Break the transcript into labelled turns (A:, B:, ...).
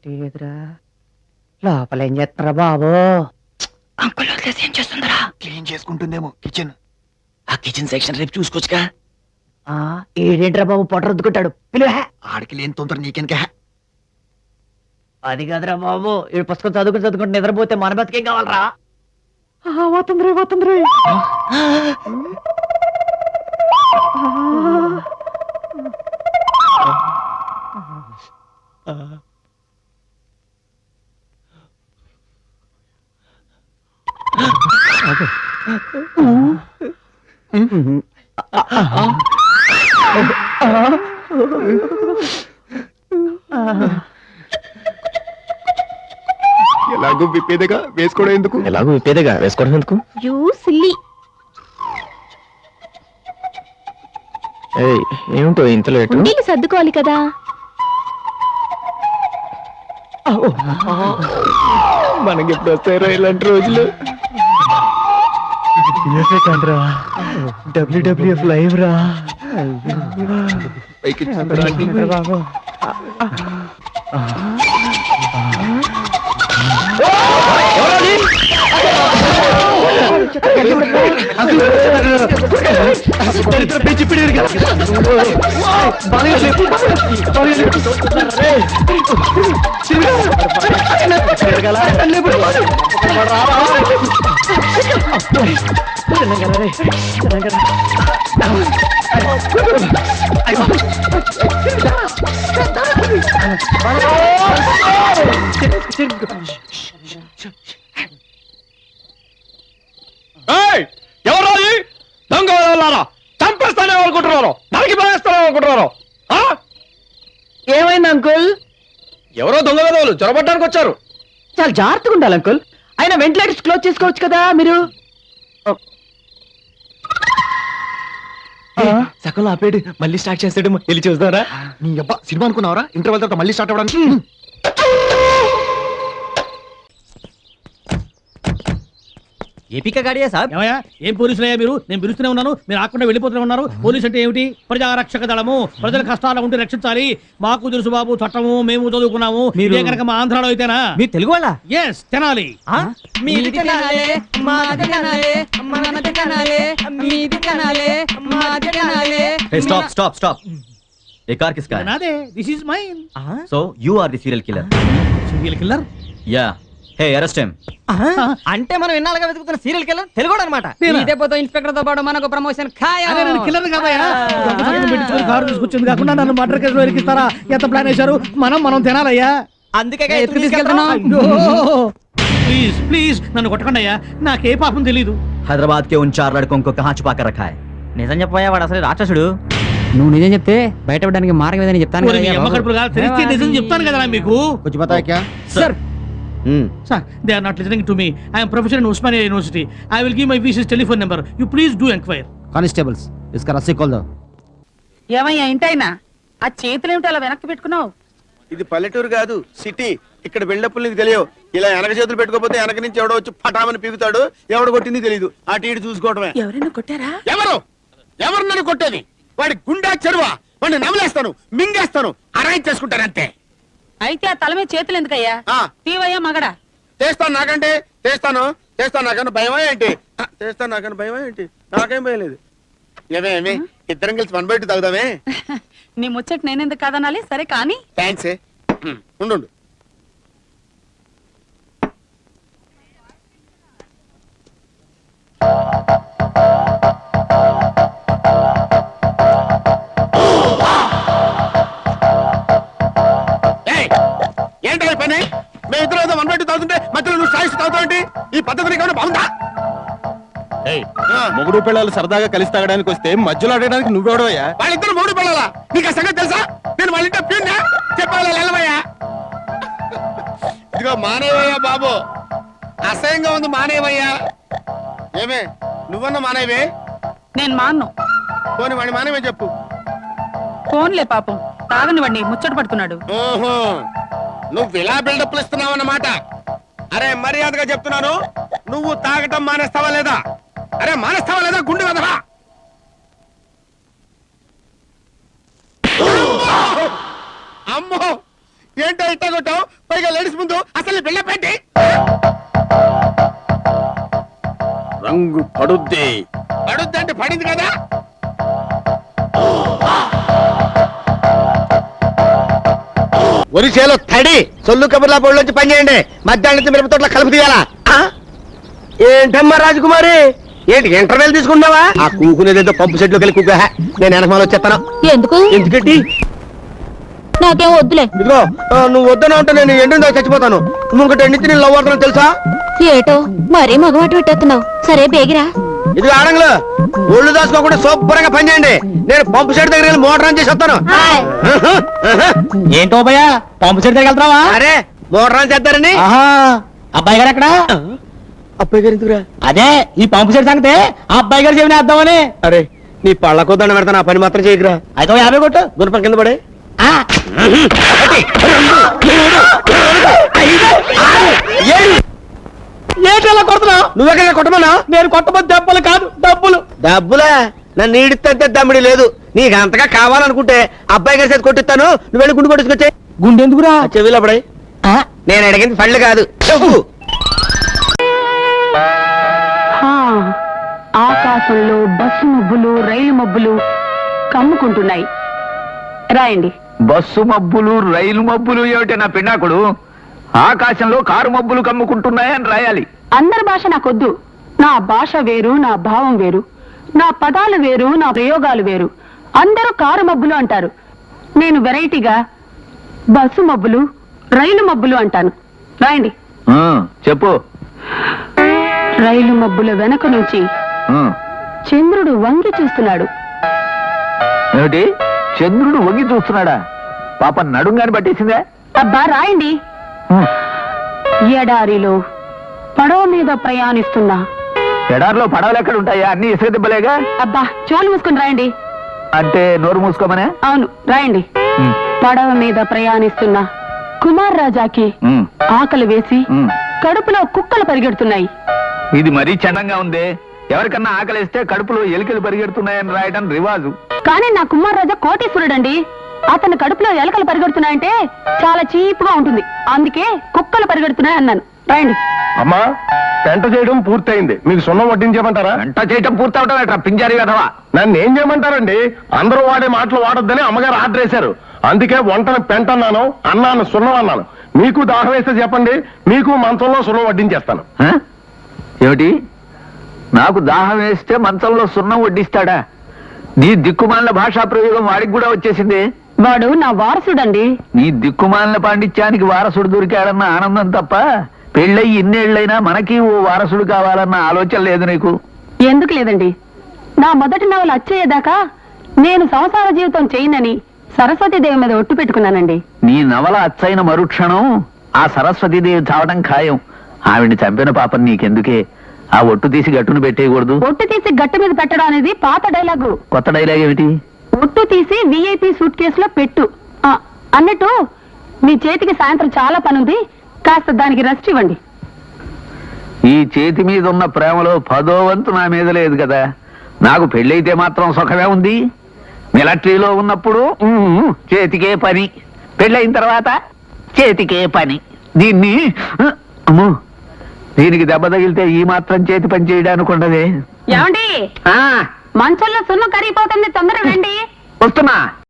A: ఎదురా లోపల ఏం చేస్తున్నారా బాబు? అంకుల్ వదిలేసి ఏం చేస్తుందరా?
B: క్లీన్ చేసుకుంటుందేమో కిచెన్.
C: ఆ కిచెన్ సెక్షన్ రేపు చూసుకోవచ్చుగా.
A: ఏడేంట్రా బాబు పొట్ట రుద్దుకుంటాడు, పిలువ.
B: ఆడికి లేని తొందర నీకెనక.
A: అది కాదురా బాబు, ఈ పుస్తకం చదువుకుంటూ నిద్రపోతే మన బతికేం కావాలరా? పోతుంది.
B: ఎలాగో విప్పేదగా వేసుకోవడం ఎందుకు?
D: You silly.
C: ఏమిటో ఇంత లేటు?
D: ఉండీలు సర్దుకోవాలి కదా.
C: మనకి ఎప్పుడు వస్తాయో ఇలాంటి రోజులు. WWF లైవ్ రా.
E: ఎవరో దొంగ చంపేస్తానే అనుకుంటున్నారు, నరికి పడేస్తానే అనుకుంటున్నారు.
A: ఏమైంది అంకుల్?
E: ఎవరో దొంగ విధవులు చొరబట్టడానికి వచ్చారు.
A: చాలా జాగ్రత్తగా ఉండాలి అంకుల్. అయినా వెంటిలేటర్స్ క్లోజ్ చేసుకోవచ్చు కదా మీరు.
C: సగంలో ఆపేడు, మళ్ళీ స్టార్ట్ చేస్తాడు. వెళ్ళి చూస్తారా?
B: నీ అబ్బా సినిమా అనుకున్నావరా? ఇంటర్వెల్ తర్వాత మళ్ళీ స్టార్ట్ అవ్వడానికి.
F: ఏపీకా గాడియా సాబ్.
E: ఏమయ్యా, ఏం పోలీసులయ్యా మీరు? నేను పిలుస్తూనే ఉన్నాను, మీరు ఆకుండా వెళ్ళిపోతూనే ఉన్నారు. పోలీసు అంటే ఏమిటి? ప్రజారక్షక దళము. ప్రజల కష్టాలు ఉంటే రక్షించాలి. మాకు తెలుసు బాబు చట్టము, మేము చదువుకున్నాము.
F: మీరు
E: కనుక మా ఆంధ్రాలో అయితేనా?
F: మీరు తెలుగు వాళ్ళ?
E: ఎస్, తెనాలి.
F: మీది తెనాలే, మాది తెనాలే, మనది తెనాలే, మీది తెనాలే, మాది తెనాలే.
G: Stop, stop, stop. ये कार किसका है?
E: నాదే. This is mine.
G: So you are the serial killer.
E: Serial killer?
G: Yeah. Hey, arrest him.
F: అంటే మనం ఎన్నాళ్ళుగా వెతుకుతున్న సీరియల్ కిల్లర్ తెలుగు అనమాట.
E: నేనా?
F: ఇదే పోతే ఇన్స్పెక్టర్ తో పాటు మనకు ప్రమోషన్ ఖాయం.
E: అరే నేను కిల్లర్ కాదయ్యా. దొంగ సంతకం పెట్టించుకొని కారు తీసుకొచ్చింది కాకుండా నన్ను మర్డర్ కేసులో ఇరికిస్తారా? ఎంత ప్లాన్ వేశారు? మనం తినాలయ్యా.
F: అందుకే ఎత్తుకు తీసుకెళ్తున్నాం.
E: ప్లీజ్ ప్లీజ్ నన్ను కొట్టకండి అయ్యా, నాకే పాపం తెలీదు.
G: हैदराबाद के उन 4 लड़कों को कहाँ छुपा कर रखा है?
F: నిజం చెప్పాయా, వాడు అసలు రాక్షసుడు. నువ్వు నిజం చెప్తే బయటపడడానికి మార్గం ఏదని చెప్తాను
E: ఓరి నీ అమ్మ కడుపులు కాదు, తెలిస్తే నిజం చెప్తాను కదా మీకు.
B: कुछ बता क्या?
E: Sir sir, they are not listening to me. I am professor in Osmania university. I will give my VC's telephone number. You please do enquire.
B: Constables इसका रस्सी खोल दो.
A: ఏమయ్యా ఇంటైనా ఆ చేతులు ఏమిటి అలా వెనక్కి పెట్టుకున్నావు?
H: ఇది పల్లెటూరు కాదు, సిటీ. ఇక్కడ బిల్డప్లు నీకు తెలియవు. ఇలా వెనక చేతులు పెట్టుకోపోతే వెనక నుంచి ఎవడో వచ్చి పటామని పీకుతాడు. ఎవడు కొట్టింది తెలియదు. అటు ఇటు చూసుకోవడమే.
A: ఎవరైనా కొట్టారా?
H: ఎవరు నన్ను కొట్టేది? వాడి గుండా చెరువా? వాడిని నమలేస్తాను, మింగేస్తాను, అరేంజ్ చేసుకుంటాను అంతే.
A: అయితే ఆ తల మీద చేతులు ఎందుకయ్యా? తీవయ్యా మగడా.
H: చేస్తాను నాకన్నా భయమా ఏంటి? నాకేం భయం లేదు. ఏమేమి ఇద్దరం కలిసి వన్ బయట తాగుదామే.
A: నీ ముచ్చట నేనెందుకు కాదనాలి? సరే కానీ.
H: థ్యాంక్స్. ఉండు. ఏంటో ఈ పని? మేము ఇద్దరు ఏదో వన్ బయట తాగుతుంటే మధ్యలో నువ్వు సాయిస్తూ తాగుతావు. ఈ పద్ధతి నీకు బాగుందా?
E: మొగుడు పిల్లలు సరదాగా కలిసి తాగడానికి వస్తే మధ్యలో ఆడడానికి నువ్వెవడవయ్యా?
H: వాళ్ళిద్దరు మూడు పిల్లలా? నీకు ఆ సంగతి తెలుసా? నేను వాళ్ళ ఇంట్లో ప్యూన్నా చెప్పాలి వెళ్ళవయ్యా. ఇదిగో మానేవయ్యా బాబు, అసహ్యంగా ఉంది, మానేవయ్యా. ఏమే నువ్వన్నా మానేవే?
A: నేను మాన్ను.
H: పోనీ వాడి మానేవే చెప్పు.
A: ఫోన్లే పాపం, తాగని వాడిని ముచ్చట పడుతున్నాడు.
H: ఓహో, నువ్వు ఇలా బిల్డప్లు ఇస్తున్నావు అన్నమాట. అరే మర్యాదగా చెప్తున్నాను, నువ్వు తాగటం మానేస్తావా లేదా? అరే మానేస్తావా లేదా? గుండె వెదవా. అమ్మో ఏంటో ఇట్ట కొట్టావు? పైగా లేడీస్ ముందు అసలు బిళ్ళ పెట్టి రంగు పడుద్ది అంటే పడింది కదా.
C: ఒరిసేలో తడి సొల్లు కబుర్లా బోర్డులోంచి పని చేయండి. మధ్యాహ్నం మిరప తోటలో కలుపు తీయాలా? ఏంటమ్మా రాజకుమారి, ఏంటి ఇంటర్వెల్ తీసుకున్నావా? ఆ కూకునేదేదో పంపు సెట్లోకి వెళ్ళి కూక. నేను వెనకమాల వచ్చేస్తాను.
D: ఎందుకు?
C: ఎందుకంటే
D: నాకేం వద్దులే.
C: ఇదిగో నువ్వు వద్దన ఉంటే నేను ఎండిన చచ్చిపోతాను. నువ్వు ఇంకటి ఎండితే నేను లవ్ అవుతాను తెలుసా?
D: ఏటో మరీ మగవాటు పెట్టేస్తున్నావు. సరే బేగిరా.
C: ఇదిగో ఆడంగులు ఒళ్ళు దాచుకోకుండా శుభ్రంగా పని చేయండి. నేను పంపు సెట్ దగ్గర వెళ్ళి మోటార్ ఆన్ చేసి వస్తాను.
F: ఏంటో భయ్యా పంపు సెట్ దగ్గర వెళ్తావా?
C: అరే మోటార్ ఆన్ చేద్దారని.
F: అబ్బాయి గారు ఎక్కడ?
C: అబ్బాయి గారు ఎందుకురా?
F: అదే ఈ పంపు సెట్ సంగతే ఆ అబ్బాయి గారు చెవిని వేద్దామని.
C: అరే నీ పళ్ళకో దండ పెడతాను, ఆ పని మాత్రం చేయకురా.
F: అయితే 50 కొట్టు.
C: గుణపం కింద పడే.
F: ఏంటలా కొడుతున్నావు?
C: నువ్వెక్కడ కొట్టమన్నా?
F: నేను కొట్టబోతు దెబ్బలు కాదు డబ్బులు.
C: డబ్బులా? నన్ను ఈడితే దమ్మిడి లేదు. నీకు అంతగా కావాలనుకుంటే అబ్బాయి గారి చేతి కొట్టిస్తాను. నువ్వు వెళ్ళి గుండు కొట్టుకొచ్చే.
F: గుండె ఎందుకురా?
C: చెవిలో పడే. నేను అడిగింది పళ్ళు కాదు చెప్పు.
I: ఆకాశంలో బస్సు మబ్బులు రైలు మబ్బులు కమ్ముకుంటున్నాయి. రాయండి.
J: బస్సు మబ్బులు రైలు మబ్బులు ఏమిటి నా పిన్నాకుడు? ఆకాశంలో కారు మబ్బులు కమ్ముకుంటున్నాయని రాయాలి.
I: అందరి భాష నాకొద్దు. నా భాష వేరు, నా భావం వేరు, నా పదాలు వేరు, నా ప్రయోగాలు వేరు. అందరూ కారు మబ్బులు అంటారు. నేను వెరైటీగా బస్సు మబ్బులు రైలు మబ్బులు అంటాను. రాయండి.
J: చెప్పు.
I: రైలు మబ్బుల వెనక నుంచి చంద్రుడు వంగి చూస్తున్నాడు.
J: ఏమిటి చంద్రుడు వంగి చూస్తున్నాడా? పాప నడుంగాని పట్టేసిందే.
I: అబ్బా రాయండి. ఎడారిలో పడవ మీద ప్రయాణిస్తున్నా.
J: ఎడారిలో పడవలు ఎక్కడ ఉంటాయా? అన్ని ఇసుక దిబ్బలేగా.
I: అబ్బా చోలు మూసుకుని రాయండి.
J: అంటే నోరు మూసుకోమనే?
I: అవును రాయండి. పడవ మీద ప్రయాణిస్తున్న కుమార్ రాజాకి ఆకలి వేసి కడుపులో కుక్కలు పరిగెడుతున్నాయి.
J: ఇది మరీ చండంగా ఉంది. ఎవరికన్నా ఆకలిస్తే కడుపులో ఎలికలు పరిగెడుతున్నాయని రాయడం రివాజు.
I: కానీ నా కుమార్ రాజా కోటీశ్వరుడండి. అతని కడుపులో ఎలకలు పరిగెడుతున్నాయంటే చాలా చీప్గా ఉంటుంది. అందుకే కుక్కలు పరిగెడుతున్నాయి అన్నాను. రాయండి.
B: అమ్మా పెంట చేయడం పూర్తయింది. మీకు సున్నం వడ్డించమంటారా?
J: వంట చేయటం పూర్తవటం ఎట్రా పింజారి కదవా?
B: నన్ను ఏం చేయమంటారండి? అందరూ వాడే మాటలు వాడొద్దని అమ్మగారు ఆర్డర్ వేశారు. అందుకే వంటను పెంట అన్నాను, అన్నాను సున్నం అన్నాను. మీకు దాహం వేస్తే చెప్పండి, మీకు మంచంలో సున్నం వడ్డించేస్తాను.
J: ఏమిటి నాకు దాహం వేస్తే మంచంలో సున్నం వడ్డిస్తాడా? నీ దిక్కుమాలిన భాషా ప్రయోగం వాడికి కూడా వచ్చేసింది.
I: వాడు నా వారసుడండి.
J: నీ దిక్కుమాలిన పాండిత్యానికి వారసుడు దొరికాడన్న ఆనందం తప్ప పెళ్ళయి ఇన్నేళ్లైనా మనకి ఓ వారసుడు కావాలన్న ఆలోచన లేదు నీకు.
I: ఎందుకు లేదండి? నా మొదటి నవల అచ్చయ్యేదాకా నేను సంసార జీవితం చేయనని సరస్వతీదేవి మీద ఒట్టు పెట్టుకున్నానండి.
J: నీ నవల అచ్చైన మరుక్షణం ఆ సరస్వతీదేవి చావడం ఖాయం. ఆవిడ్ని చంపిన పాపం నీకెందుకే? ఆ ఒట్టు తీసి గట్టును పెట్టేయకూడదు.
I: ఒట్టు తీసి గట్టు మీద పెట్టడం అనేది పాత డైలాగు.
J: కొత్త డైలాగ్ ఏమిటి?
I: ఒట్టు తీసి VIP సూట్ కేసులో పెట్టు. అన్నట్టు మీ చేతికి సాయంత్రం చాలా పనుంది. కాస్త దానికి రెస్ట్ ఇవ్వండి.
J: ఈ చేతి మీద ఉన్న ప్రేమలో 10వ వంతు నా మీద లేదు కదా. నాకు పెళ్ళైతే మాత్రం సుఖమే ఉంది. మిలిటరీలో ఉన్నప్పుడు చేతికే పని, పెళ్ళైన తర్వాత చేతికే పని. దీన్ని అమ్మో దీనికి దెబ్బ తగిలితే ఈ మాత్రం చేతి పని చేయడానికి ఉండదే.
I: ఏమండి మంచంలో సున్నం కరిగిపోతుంది, తొందరగా రండి.
J: వస్తున్నా.